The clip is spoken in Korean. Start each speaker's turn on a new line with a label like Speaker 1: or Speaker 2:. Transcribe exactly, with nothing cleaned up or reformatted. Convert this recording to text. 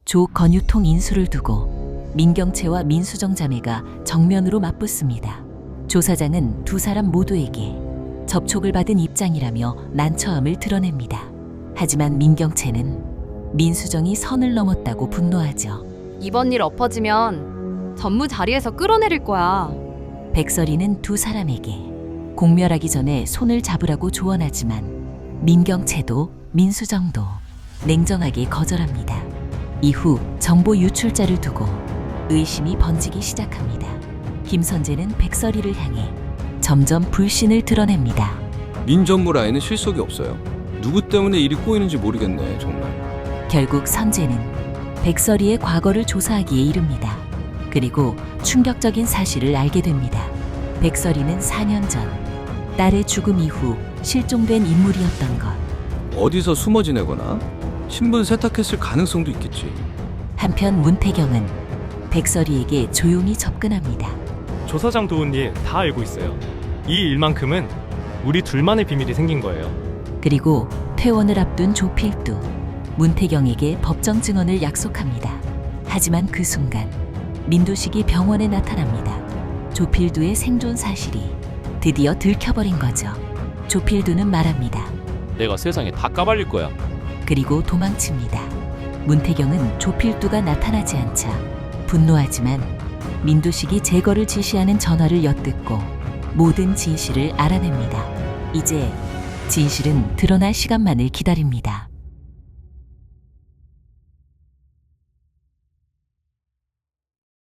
Speaker 1: 조건유통 인수를 두고 민경채와 민수정 자매가 정면으로 맞붙습니다. 조사장은 두 사람 모두에게 접촉을 받은 입장이라며 난처함을 드러냅니다. 하지만 민경채는 민수정이 선을 넘었다고 분노하죠.
Speaker 2: 이번 일 엎어지면 전무 자리에서 끌어내릴 거야.
Speaker 1: 백설이는 두 사람에게 공멸하기 전에 손을 잡으라고 조언하지만 민경채도 민수정도 냉정하게 거절합니다. 이후 정보 유출자를 두고 의심이 번지기 시작합니다. 김선재는 백설이를 향해 점점 불신을 드러냅니다.
Speaker 3: 민전무 라인은 실속이 없어요. 누구 때문에 일이 꼬이는지 모르겠네, 정말.
Speaker 1: 결국 선재는 백설이의 과거를 조사하기에 이릅니다. 그리고 충격적인 사실을 알게 됩니다. 백설이는 사 년 전 딸의 죽음 이후 실종된 인물이었던 것.
Speaker 3: 어디서 숨어 지내거나 신분 세탁했을 가능성도 있겠지.
Speaker 1: 한편 문태경은 백설이에게 조용히 접근합니다.
Speaker 4: 조사장 도운 일 다 알고 있어요. 이 일만큼은 우리 둘만의 비밀이 생긴 거예요.
Speaker 1: 그리고 퇴원을 앞둔 조필두, 문태경에게 법정 증언을 약속합니다. 하지만 그 순간 민두식이 병원에 나타납니다. 조필두의 생존 사실이 드디어 들켜버린 거죠. 조필두는 말합니다.
Speaker 5: 내가 세상에 다 까발릴 거야.
Speaker 1: 그리고 도망칩니다. 문태경은 조필두가 나타나지 않자 분노하지만 민두식이 제거를 지시하는 전화를 엿듣고 모든 진실을 알아냅니다. 이제 진실은 드러날 시간만을 기다립니다.